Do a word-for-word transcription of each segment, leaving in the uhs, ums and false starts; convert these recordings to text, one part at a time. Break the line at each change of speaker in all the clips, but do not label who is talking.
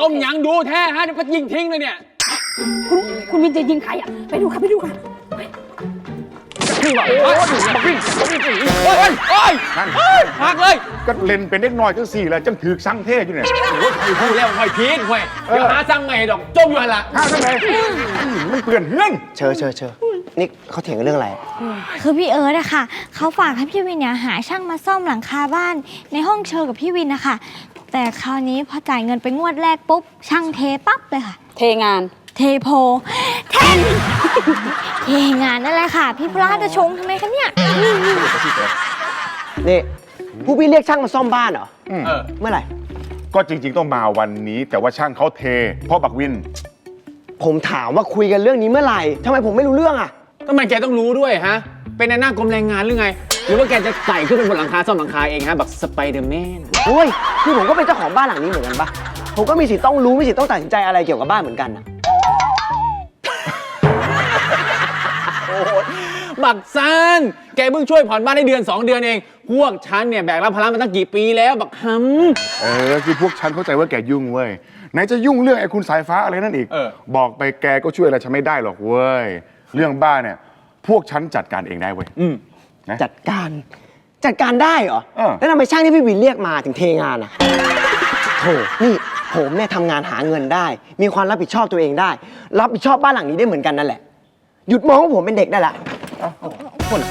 มยังดูแท้ฮะเดี๋ยวก็ยิงทิ้งเลยเนี่ย
คุณคุณวินจะยิงใครอ่ะไปดูค่ะไปดูค่ะ
คือแบบโอ้ยบักวิ่งบักวิ่งโอ้ยโอ้ยพักเลย
ก็เล่นเป็นเล็กน้อยจังสี่แหละจังถือสั่งเทอยู่เนี่ย
โอ้ยพูดแล้วหอยพีชหอยเดี๋ยวหาสั่งใหม่ดอกจมอยู่ละ
ห้าทำไมมันเปลี่ยนเงื่อน
เชอเชอเชอนี่เขาเถียงกันเรื่องอะไร
คือพี่เอิร์ธอะค่ะเขาฝากให้พี่วินเนี่ยหาช่างมาซ่อมหลังคาบ้านในห้องเชอกับพี่วินนะคะแต่คราวนี้พอจ่ายเงินไปงวดแรกปุ๊บช่างเทปั๊บเลยค่ะ
เทงาน
เทโพเทนเทงานนั่นแหละค่ะพี่พลาดจะชงทำไมคะเนี่ย
นี่ผู้พี่เรียกช่างมาซ่อมบ้านเหรอเมื่อไหร่
ก็จริงๆต้องมาวันนี้แต่ว่าช่างเขาเทเพราะบักวิน
ผมถามว่าคุยกันเรื่องนี้เมื่อไหร่ทำไมผมไม่รู้เรื่องอ่ะ
ทำไมแกต้องรู้ด้วยฮะเป็นในหน้ากรมแรงงานหรือไงหรือว่าแกจะไต่ขึ้นไปบนหลังคาซ่อมหลังคาเองฮะแบบสไปเดอร์แมน
โอ้ยคือผมก็เป็นเจ้าของบ้านหลังนี้เหมือนกันปะผมก็มีสิทธิ์ต้องรู้มีสิทธิ์ต้องตัดสินใจอะไรเกี่ยวกับบ้านเหมือนกันนะ
บักซันแกเพิ่งช่วยผ่อนบ้านได้เดือนสองเดือนเองพวกฉันเนี่ยแบกรับภาระมาตั้งกี่ปีแล้วบักฮัม
เออคือพวกฉันเข้าใจว่าแกยุ่งเว้ยไหนจะยุ่งเรื่องไอ้คุณสายฟ้าอะไรนั่นอีกบอกไปแกก็ช่วยอะไรฉันไม่ได้หรอกเว้ยเรื่องบ้านเนี่ยพวกฉันจัดการเองได้เว้ย
จัดการจัดการได้เหรอแล้วทำไมช่างที่พี่วินเรียกมาถึงเทงานอ่ะโถนี่ผมเนี่ยทำงานหาเงินได้มีความรับผิดชอบตัวเองได้รับผิดชอบบ้านหลังนี้ได้เหมือนกันนั่นแหละหยุดมองว่าผมเป็นเด็กได้ละ
คน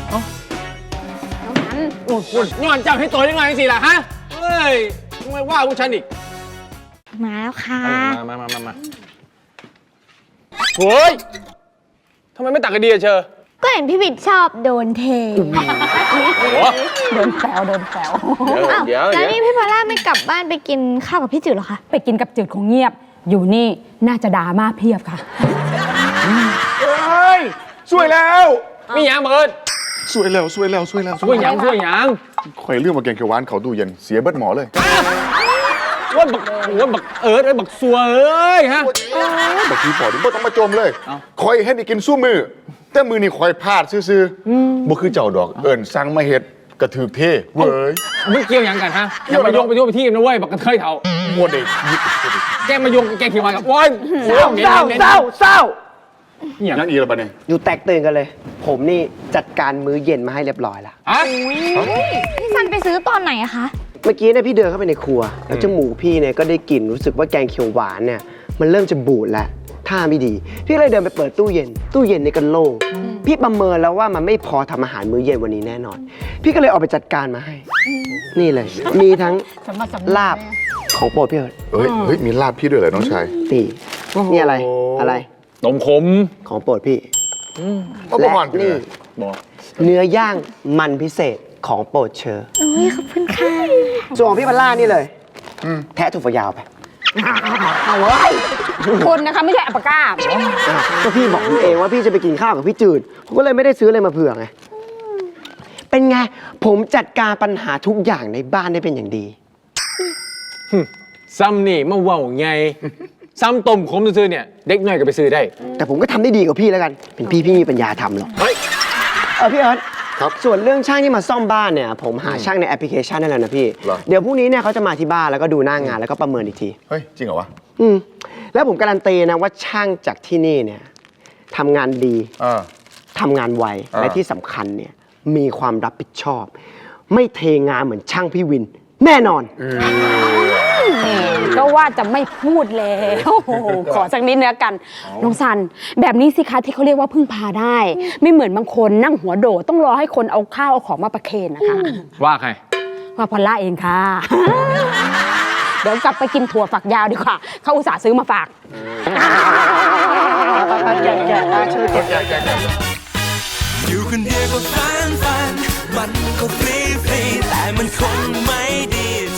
คุณนอนจับให้ตัวยังไงสิล่ะฮะเฮ้ยทำไมว่าพวกฉันอีก
มาแล้วค่ะ
มามามามาเฮ้ยทำไมไม่ตักกระเดียเชอ
ก็เห็นพี่วินชอบโดนเท
โดนแซวโดนแซว
เดี๋ยว
แล้วนี่พี่พอลล่าไม่กลับบ้านไปกินข้าวกับพี่จืดหรอคะ
ไปกินกับจืดคงเงียบอยู่นี่น่าจะดราม่าเพียบค่ะ
เฮ้ยสวยแล้ว
มีหยังเบิด
สวยแล้วสวยแล้วสวยแล้ว
สวยหยังสวยหยัง
ข่อยเรื่องมาแกงเขียวหวานเขาตู้เย็นเสียเบิดหมอเลย
ว่าบักว่าบักเอิร์ธไอ้บักซัวเอ้ยฮะ
บักทีปอดนี่บ่ต้องมาจมเลยคอยให้ได้กินสู้มือแต่มือนี่คอยพลาดซื่อๆบ่คือเจ้าดอกเอิญสั่งมาเฮ็ดกระถือเท่เว้ย
มันเกี่ยวยังกันฮะอย่ามาโยงไปโยงไปที่นะเว้ยบักกระเทยเถา
โมเด็ก
แกมาโยงแกขี่มากับโอ้ย
เศร้าเศร้าเศร้าเศร้า
อย่างนั้นอีกแล้วปะเนี่ย
อยู่แตกตื่นกันเลยผมนี่จัดการมื้อเย็นมาให้เรียบร้อยแล้ว
พี่ซันไปซื้อตอนไหนอะคะ
เมื่อกี้เนี่ยพี่เดินเข้าไปในครัวแล้วจมูกพี่เนี่ยก็ได้กลิ่นรู้สึกว่าแกงเขียวหวานเนี่ยมันเริ่มจะบูดแล้วท่าไม่ดีพี่เลยเดินไปเปิดตู้เย็นตู้เย็นนี่ก็โล่งพี่ประเมินแล้วว่ามันไม่พอทำอาหารมื้อเย็นวันนี้แน่นอนพี่ก็เลยออกไปจัดการมาให้นี่เลยมีทั้งลาบของโปรดพี่เอิร์ธ
เฮ้ยเฮ้ยมีลาบพี่ด้วยเหรอน้องชาย
นี่นี่อะไรอะไร
ต้มขม
ของโปรดพี่
และ
นี่เนื้อย่างมันพิเศษของโปรดเชอร์
โอ้ยขอบคุณค่ะ
ส่วนของพี่พัลล่านี่เลยแทะถั่วฝักยาวไป
เอาไว้คนนะคะไม่ใช่อัปปะก้า
ก็พี่บอกเองว่าพี่จะไปกินข้าวกับพี่จืดผมก็เลยไม่ได้ซื้ออะไรมาเผื่อไงเป็นไงผมจัดการปัญหาทุกอย่างในบ้านได้เป็นอย่างดี
ซ้ำนี่มาว่าไงซ้ำต้มขมซื้อเนี่ยเด็กน้อยก็ไปซื้อได้
แต่ผมก็ทำได้ดีกว่าพี่แล้วกันเป็นพี่พี่มีปัญญาทำหรอกเออพี่เอิร์ธครับส่วนเรื่องช่างที่มาซ่อมบ้านเนี่ยผมหาช่างในแอปพลิเคชันนั่นแหละนะพี่เดี๋ยวพรุ่งนี้เนี่ยเขาจะมาที่บ้านแล้วก็ดูหน้างานแล้วก็ประเมินอีกที
เฮ้ยจริงเหรอวะ
อืมแล้วผมการันตีนะว่าช่างจากที่นี่เนี่ยทำงานดีทำงานไวและที่สำคัญเนี่ยมีความรับผิดชอบไม่เทงานเหมือนช่างพี่วินแน่นอน
ก็ว่าจะไม่พูดแล้วขอสักนิดเนื้อกันน้องซันแบบนี้สิคะที่เขาเรียกว่าพึ่งพาได้ไม่เหมือนบางคนนั่งหัวโดดต้องรอให้คนเอาข้าวเอาของมาประเคนนะคะ
ว่าใคร
ว่าพอลล่าเองค่ะเดี๋ยวกลับไปกินถั่วฝักยาวดีกว่าเขาอุตส่าห์ซื้อมาฝาก
อยู่คนเดียวก็ฟันฟันมันก็ฟรีฟรีแต่มันคงไม่ดี